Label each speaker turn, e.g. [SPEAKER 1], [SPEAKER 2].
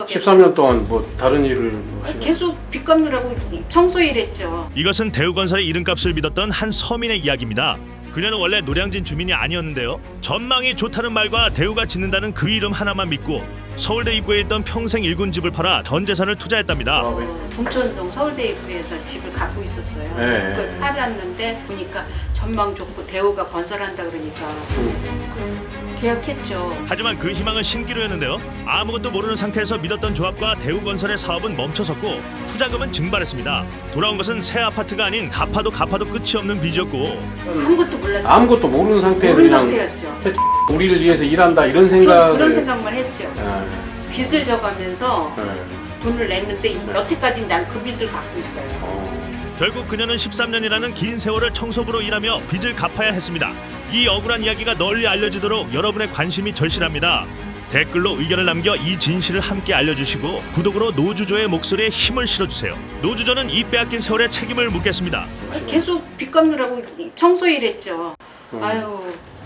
[SPEAKER 1] 13년 동안 뭐 다른 일을 뭐
[SPEAKER 2] 계속 빚 갚느라고 청소 일했죠.
[SPEAKER 3] 이것은 대우건설의 이름값을 믿었던 한 서민의 이야기입니다. 그녀는 원래 노량진 주민이 아니었는데요. 전망이 좋다는 말과 대우가 짓는다는 그 이름 하나만 믿고 서울대 입구에 있던 평생 일군 집을 팔아 전 재산을 투자했답니다.
[SPEAKER 2] 봉천동 서울대 입구에서 집을 갖고 있었어요.
[SPEAKER 1] 네.
[SPEAKER 2] 그걸 팔았는데 보니까 전망 좋고 대우가 건설한다 그러니까 계약했죠.
[SPEAKER 3] 하지만 그 희망은 신기루였는데요. 아무것도 모르는 상태에서 믿었던 조합과 대우건설의 사업은 멈춰섰고 투자금은 증발했습니다. 돌아온 것은 새 아파트가 아닌 갚아도 끝이 없는 빚이었고
[SPEAKER 2] 아무것도 몰랐죠.
[SPEAKER 1] 아무것도 모르는 상태에서
[SPEAKER 2] 모르는
[SPEAKER 1] 그냥
[SPEAKER 2] 상태였죠.
[SPEAKER 1] 우리를 위해서 일한다 이런 생각을
[SPEAKER 2] 그런 생각만 했죠.
[SPEAKER 1] 네.
[SPEAKER 2] 빚을 져가면서
[SPEAKER 1] 네.
[SPEAKER 2] 돈을 냈는데 여태까지 난 그 빚을 갖고 있어요.
[SPEAKER 3] 결국 그녀는 13년이라는 긴 세월을 청소부로 일하며 빚을 갚아야 했습니다. 이 억울한 이야기가 널리 알려지도록 여러분의 관심이 절실합니다. 댓글로 의견을 남겨 이 진실을 함께 알려주시고 구독으로 노주조의 목소리에 힘을 실어주세요. 노주조는 이 빼앗긴 세월의 책임을 묻겠습니다.
[SPEAKER 2] 계속 빚 갚느라고 청소 일했죠. 아유.